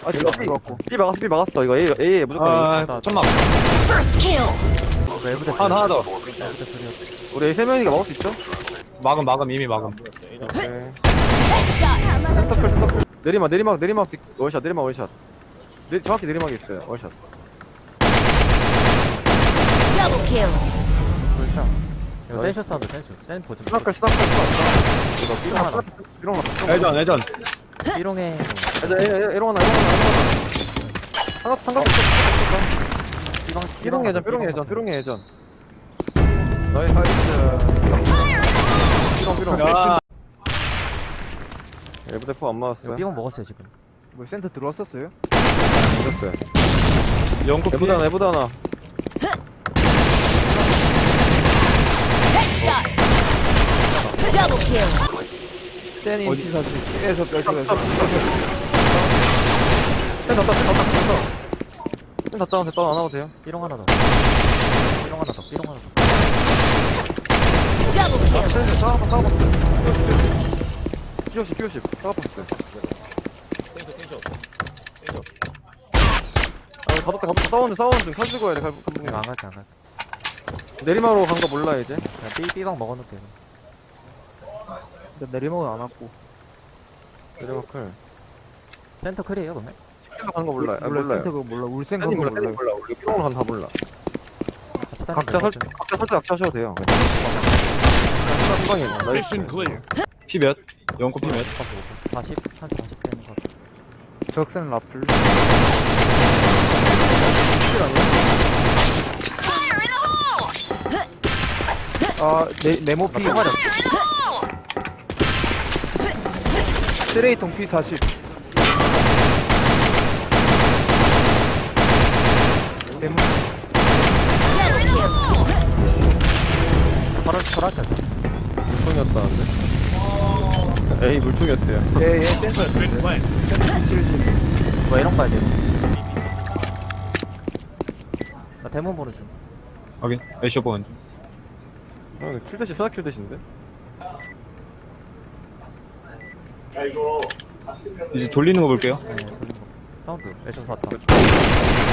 아직 이거 안 들어왔고. B 막았어. 이거 A 무조건 A. 천막. First kill. 외부대 하나 더. 외부대 둘이었. 우리 A 3명이니까 막을 수 있죠? 막음 이미 막음. 오케이. Headshot. 센터클. 내리막 월샷 월샷. 정확히 내리막이 있어요. 월샷. Double kill. 불타. 이거 센쇼 사운드 센 보지. 스나클. 이거 삐롱 하나. 삐롱 하나. 예전. 삐롱에 에롱 하나. 상관 삐롱 예전. 나이스. 삐롱. 야. 엘브대포 안 이거 맞았어요. 삐롱 먹었어요 지금. 뭐 센터 들어왔었어요? 들었어요. 영국 피해. 에보다 하나. Headshot. Double kill. 센이 어디? 피사지. 에서 센 닫다 안 하도 돼요. 삐롱 하나 더. 삐롱 하나 더. Double kill. 센 싸워봤어. P50 싸워봤어. 가볍다 싸우는 중 칼주고 해야 돼 감독님. 안 갈게 안 갈게. 내리막으로 간 거 몰라 이제. 그냥 삐방 먹어놓을게. 내리막은 안 왔고. 내리막 클. 센터 클이에요 그러면? 간거 몰라. 몰라요. 센터가 몰라. 울센 센이 간거 몰라. 몰라. 우리 삐롱으로 간다 몰라. 같이 다니면 각자 되거든. 살짝 악차셔도 돼요. 한방이 Mission clear. 피 몇? 영국 피 몇? 40 되는 거. 적센 라플. 아, 네모피. 쓰레이통 P40. 네모. Double kill. 설할게. 물총이었다는데. 에이 물총이었대요. 예, 센터. Been planted. 뭐 이런 거 해야 돼. 나 데몬 보는 중. 확인. 에이쇼 본. 킬대시 스나 킬대시인데. 이제 돌리는 거 볼게요. 네, 돌린 거. 사운드. 애셔서 왔다.